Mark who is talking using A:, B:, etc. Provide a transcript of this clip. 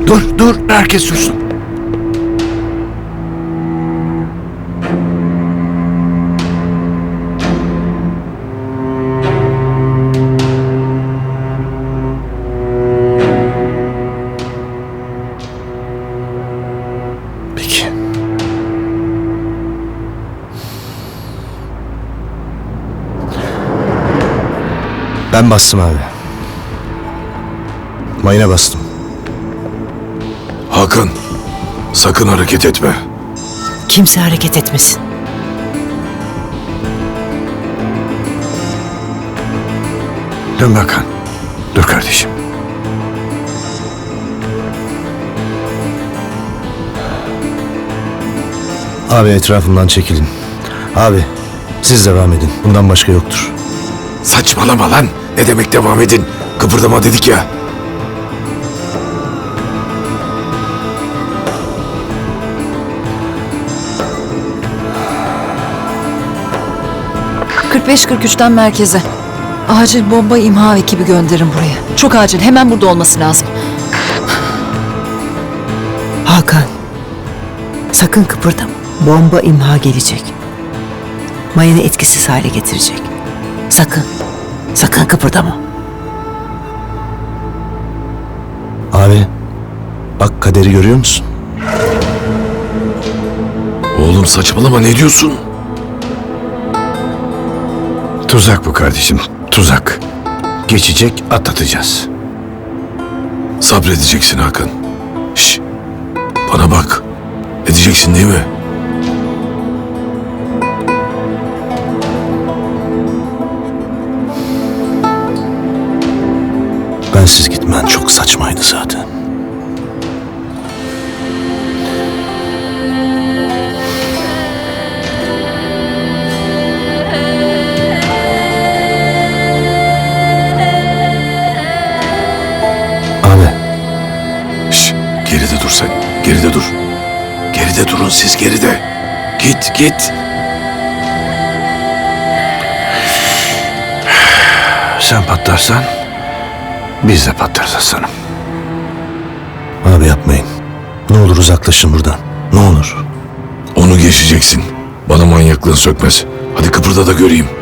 A: Dur, herkes sussun. Peki. Ben bastım abi. Mayına bastım.
B: Hakan, sakın hareket etme.
C: Kimse hareket etmesin.
A: Dön Hakan. Dur kardeşim. Abi etrafımdan çekilin. Abi siz devam edin. Bundan başka yoktur.
B: Saçmalama lan. Ne demek devam edin? Kıpırdama dedik ya.
C: ...45-43'ten merkeze. Acil bomba imha ekibi gönderin buraya. Çok acil. Hemen burada olması lazım. Hakan. Sakın kıpırdama. Bomba imha gelecek. Mayını etkisiz hale getirecek. Sakın. Sakın kıpırdama.
A: Abi bak kaderi görüyor musun?
B: Oğlum saçmalama, ne diyorsun?
A: Tuzak bu kardeşim. Tuzak. Geçecek, atlatacağız.
B: Sabredeceksin Hakan. Şş, bana bak. Edeceksin değil mi?
A: Bensiz gitmen çok saçmaydı zaten. Abi.
B: Şş, geride dur sen. Geride dur. Geride durun siz, geride. Git.
A: Sen patlarsan biz de patlarız aslanım. Abi yapmayın. Ne olur uzaklaşın buradan. Ne olur.
B: Onu geçeceksin. Bana manyaklığın sökmez. Hadi kıpırda da göreyim.